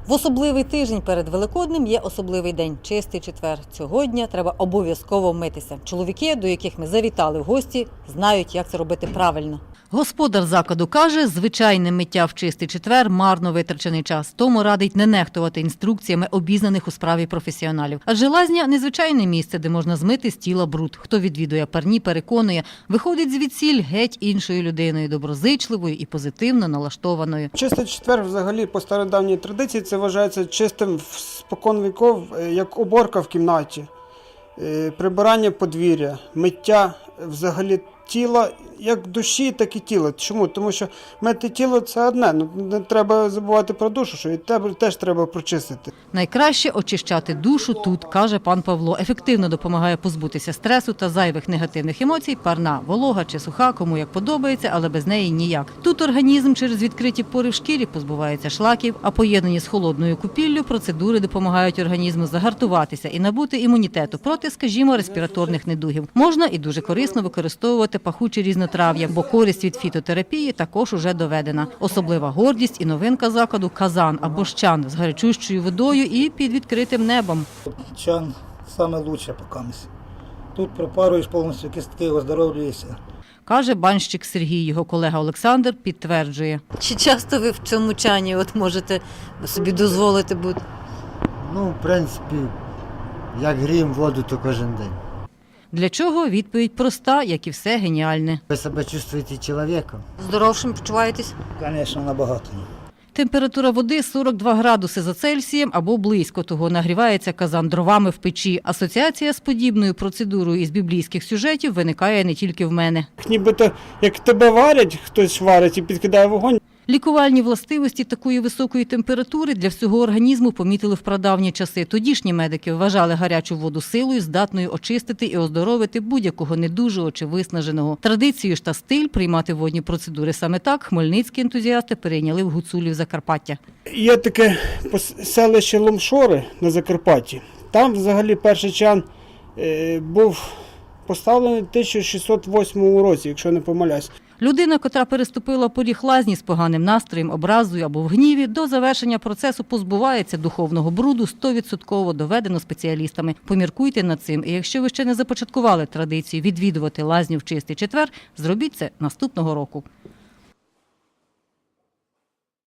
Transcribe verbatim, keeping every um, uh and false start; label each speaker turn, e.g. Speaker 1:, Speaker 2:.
Speaker 1: В особливий тиждень перед Великоднем є особливий день – Чистий четвер. Цього дня треба обов'язково митися. Чоловіки, до яких ми завітали в гості, знають, як це робити правильно. Господар закладу каже, звичайне миття в Чистий четвер – марно витрачений час. Тому радить не нехтувати інструкціями обізнаних у справі професіоналів. Адже лазня – незвичайне місце, де можна змити з тіла бруд. Хто відвідує парні, переконує, виходить звідсіль геть іншою людиною, доброзичливою і позитивно налаштованою.
Speaker 2: Чистий четвер взагалі по стародавній традиції це вважається чистим спокон віков, як уборка в кімнаті, прибирання подвір'я, миття взагалі тіла, як душі, так і тіла. Чому? Тому що мити тіло – це одне, ну, не треба забувати про душу, що і тебе теж треба прочистити.
Speaker 1: Найкраще очищати душу тут, каже пан Павло. Ефективно допомагає позбутися стресу та зайвих негативних емоцій, парна, волога чи суха, кому як подобається, але без неї ніяк. Тут організм через відкриті пори в шкірі позбувається шлаків, а поєднані з холодною купіллю процедури допомагають організму загартуватися і набути імунітету проти, скажімо, респіраторних недугів. Можна і дуже корисно використовувати пахучі різнотрав'я, бо користь від фітотерапії також уже доведена. Особлива гордість і новинка закладу – казан або ж чан з гарячущою водою і під відкритим небом.
Speaker 3: Чан – саме лучше поки. Тут пропаруєш повністю кістки, оздоровлюєшся.
Speaker 1: Каже банщик Сергій, його колега Олександр підтверджує. Чи часто ви в цьому чані от можете собі дозволити бути?
Speaker 4: Ну, в принципі, як гріємо воду, то кожен день.
Speaker 1: Для чого? Відповідь проста, як і все геніальне.
Speaker 4: Ви себе чувствуєте чоловіком?
Speaker 1: Здоровшим почуваєтесь?
Speaker 3: Звісно, набагато.
Speaker 1: Температура води сорок два градуси за Цельсієм або близько того. Нагрівається казан дровами в печі. Асоціація з подібною процедурою із біблійських сюжетів виникає не тільки в мене.
Speaker 2: Нібито як тебе варять, хтось варить і підкидає вогонь.
Speaker 1: Лікувальні властивості такої високої температури для всього організму помітили в прадавні часи. Тодішні медики вважали гарячу воду силою, здатною очистити і оздоровити будь-якого недужого чи виснаженого. Традицію ж та стиль приймати водні процедури саме так хмельницькі ентузіасти перейняли в гуцулів Закарпаття.
Speaker 2: Є таке селище Ломшори на Закарпатті. Там взагалі перший чан е, був поставлений в тисяча шістсот восьмому році, якщо не помиляюсь.
Speaker 1: Людина, котра переступила поріг лазні з поганим настроєм, образою або в гніві, до завершення процесу позбувається духовного бруду, сто відсотків доведено спеціалістами. Поміркуйте над цим. І якщо ви ще не започаткували традицію відвідувати лазню в Чистий четвер, зробіть це наступного року.